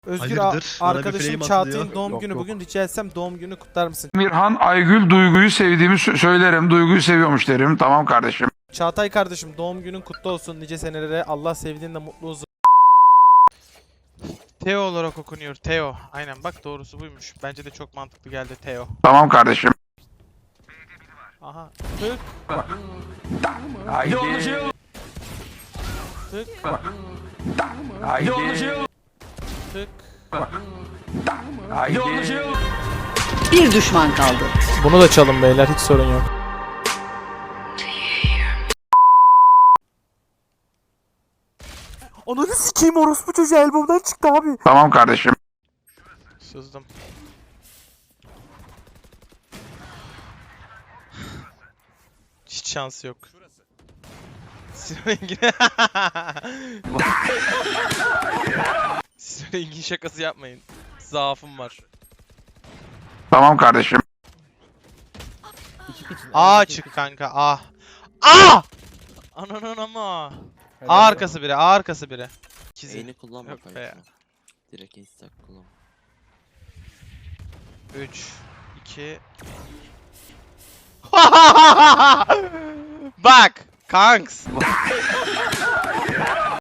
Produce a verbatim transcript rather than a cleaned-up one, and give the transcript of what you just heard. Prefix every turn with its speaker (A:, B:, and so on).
A: Özgür
B: Hayırdır?
A: a-
B: Bana bir
A: arkadaşım
B: flame
A: Çağatay'ın
B: atılıyor.
A: doğum
C: Yok,
A: günü
C: yok.
A: bugün. Rica etsem doğum günü kutlar mısın?
D: Mirhan Aygül Duygu'yu sevdiğimi sö- söylerim. Duygu'yu seviyormuş derim. Tamam kardeşim.
A: Çağatay kardeşim doğum günün kutlu olsun nice senelere. Allah sevdiğinle mutlu olsun.
E: Teo olarak okunuyor. Teo. Aynen bak doğrusu buymuş. Bence de çok mantıklı geldi Teo.
D: Tamam kardeşim.
A: Aha. Tık
D: Haydi.
A: tık
D: Haydi.
A: tık.
D: Haydi.
F: Bir düşman kaldı.
A: Bunu da çalın beyler, hiç sorun yok. Ananı sikeyim, orospu çocuğu elbomdan çıktı abi.
D: Tamam kardeşim.
E: Sızdım. Hiç şansı yok. Sinan Engin. Sinan Engin şakası yapmayın. Zaafım var.
D: Tamam kardeşim.
E: A çık kanka A. A! Ananın ama. A arkası biri, A arkası biri. İkizi.
G: Eğini kullanma
E: Yok be
G: kanka.
E: ya.
G: Direkt ace stack kullan.
E: üç, iki. Bak, kanks.